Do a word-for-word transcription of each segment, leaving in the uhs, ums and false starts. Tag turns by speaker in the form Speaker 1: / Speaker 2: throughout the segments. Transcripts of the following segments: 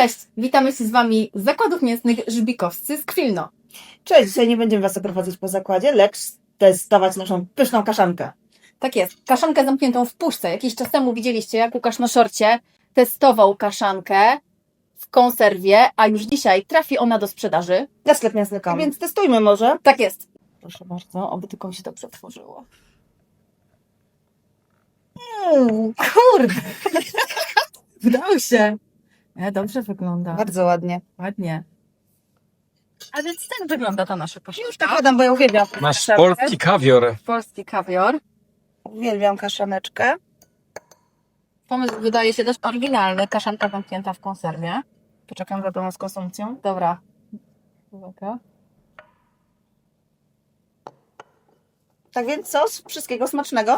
Speaker 1: Cześć, witamy się z Wami z Zakładów Mięsnych Żbikowscy z Kwilno.
Speaker 2: Cześć, dzisiaj nie będziemy Was oprowadzać po zakładzie, lecz testować naszą pyszną kaszankę.
Speaker 1: Tak jest, kaszankę zamkniętą w puszce. Jakiś czas temu widzieliście, jak Łukasz na szorcie testował kaszankę w konserwie, a już dzisiaj trafi ona do sprzedaży.
Speaker 2: Na sklep mięsny kropka com. Więc testujmy może.
Speaker 1: Tak jest. Proszę bardzo, oby tylko mi się dobrze otworzyło. Mm, kurde! Udało się. E, dobrze wygląda.
Speaker 2: Bardzo ładnie.
Speaker 1: Ładnie. A więc tak wygląda ta nasza kaszanka.
Speaker 2: Już tak podam, bo ja uwielbiam
Speaker 3: Masz
Speaker 2: kaszankę.
Speaker 3: polski kawior.
Speaker 1: Polski kawior.
Speaker 2: Uwielbiam kaszaneczkę.
Speaker 1: Pomysł wydaje się dość oryginalny. Kaszanka zamknięta w konserwie. Poczekam za tą z konsumpcją. Dobra. Uwaga.
Speaker 2: Tak więc sos, wszystkiego smacznego.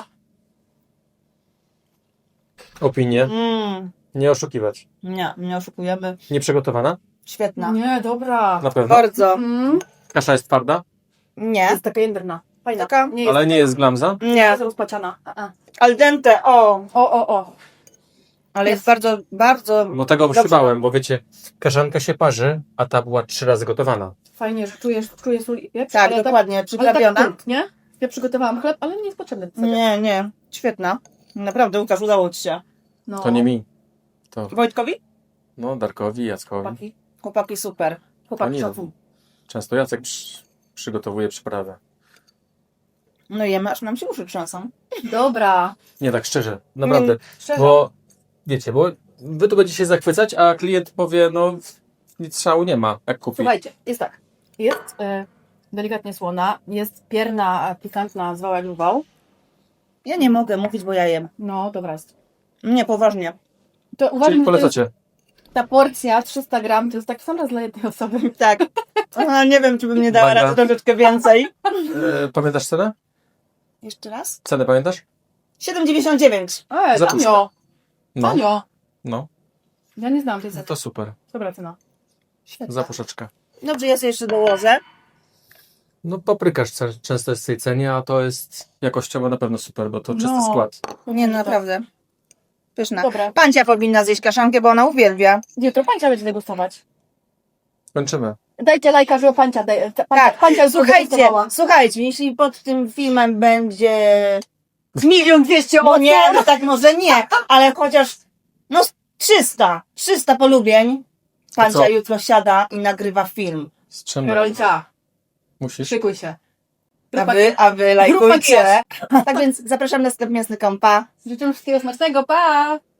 Speaker 3: Opinie.
Speaker 2: Mm.
Speaker 3: Nie oszukiwać.
Speaker 2: Nie, nie oszukujemy.
Speaker 3: Nieprzygotowana?
Speaker 2: Świetna.
Speaker 1: Nie, dobra.
Speaker 3: Na pewno.
Speaker 2: Bardzo.
Speaker 1: Mm.
Speaker 3: Kasza jest twarda,
Speaker 2: Nie.
Speaker 1: Jest taka jędrna. Fajna.
Speaker 2: Taka?
Speaker 1: Nie jest
Speaker 3: ale nie jest glamza.
Speaker 2: Nie.
Speaker 1: jest rozpaciana. A, a.
Speaker 2: Al dente, o.
Speaker 1: O, o, o.
Speaker 2: Ale jest
Speaker 1: Jest.
Speaker 2: bardzo, bardzo...
Speaker 3: No tego
Speaker 2: Dobrze.
Speaker 3: się bałem, bo wiecie, kaszanka się parzy, a ta była trzy razy gotowana.
Speaker 1: Fajnie, że czujesz, czujesz sól i pieprz.
Speaker 2: Tak,
Speaker 1: ale
Speaker 2: dokładnie,
Speaker 1: Tak, ale
Speaker 2: przyprawiona.
Speaker 1: tak kult, nie? Ja przygotowałam chleb, ale nie jest potrzebny. do sobie.
Speaker 2: Nie, nie. Świetna. Naprawdę, Łukasz, udało Ci się.
Speaker 1: No.
Speaker 3: To nie mi. To
Speaker 2: Wojtkowi?
Speaker 3: no Darkowi, Jackowi.
Speaker 1: Chłopaki.
Speaker 2: Chłopaki, super.
Speaker 1: Chłopaki
Speaker 3: nie
Speaker 1: szacun.
Speaker 3: Często Jacek przy, przygotowuje przyprawę.
Speaker 2: No jemy, aż nam się uszy trzęsą.
Speaker 1: Dobra.
Speaker 3: Nie tak szczerze, naprawdę.
Speaker 1: Mm, szczerze.
Speaker 3: Bo wiecie, bo wy tu będziecie się zachwycać, a klient powie, no nic szału nie ma, jak kupi.
Speaker 1: Słuchajcie, jest tak. Jest e, delikatnie słona, jest pierna e, pikantna, zwał jak wał.
Speaker 2: Ja nie mogę mówić, bo ja jem.
Speaker 1: No, dobra jest.
Speaker 2: Nie, poważnie.
Speaker 1: To uważam,
Speaker 3: Czyli
Speaker 1: że to jest,
Speaker 3: polecacie.
Speaker 1: ta porcja trzysta gram to jest tak sam raz dla jednej osoby.
Speaker 2: Tak. A, nie wiem, czy bym nie dała
Speaker 3: Uwaga.
Speaker 2: rady troszeczkę więcej.
Speaker 3: E, pamiętasz cenę?
Speaker 2: Jeszcze raz?
Speaker 3: Cenę pamiętasz?
Speaker 2: siedem dziewięćdziesiąt dziewięć.
Speaker 1: E,
Speaker 3: Za
Speaker 1: tanio,
Speaker 3: No,
Speaker 1: tanio.
Speaker 3: no,
Speaker 1: Ja nie znam tej
Speaker 3: no
Speaker 1: ceny.
Speaker 3: to super.
Speaker 1: Dobra cena.
Speaker 3: Za puszeczkę.
Speaker 2: Dobrze, ja sobie jeszcze dołożę.
Speaker 3: No paprykarz ce- często jest w tej cenie, a to jest jakościowo na pewno super, bo to czysty
Speaker 1: No.
Speaker 3: skład.
Speaker 2: Nie, no naprawdę. Pyszna.
Speaker 1: Dobra.
Speaker 2: Pancia powinna zjeść kaszankę, bo ona uwielbia.
Speaker 1: Jutro pancia będzie degustować.
Speaker 3: Kończymy.
Speaker 1: Dajcie lajka, żeby pancia... Daj, pancia,
Speaker 2: Tak,
Speaker 1: pancia już
Speaker 2: słuchajcie,
Speaker 1: degustowała.
Speaker 2: słuchajcie, jeśli pod tym filmem będzie...
Speaker 1: Milion dwieście
Speaker 2: No
Speaker 1: osób.
Speaker 2: nie, no tak może nie, ale chociaż no trzysta, trzysta polubień. Pancia
Speaker 3: co?
Speaker 2: jutro siada i nagrywa film.
Speaker 3: Z czym?
Speaker 1: Karolcia,
Speaker 3: Musisz?
Speaker 1: szykuj się.
Speaker 2: A
Speaker 1: Grupa-
Speaker 2: wy, a wy
Speaker 1: Grupa
Speaker 2: lajkujcie.
Speaker 1: kies.
Speaker 2: Tak więc zapraszam na sklep mięsny kropka com.
Speaker 1: Życzę wszystkiego smacznego, pa!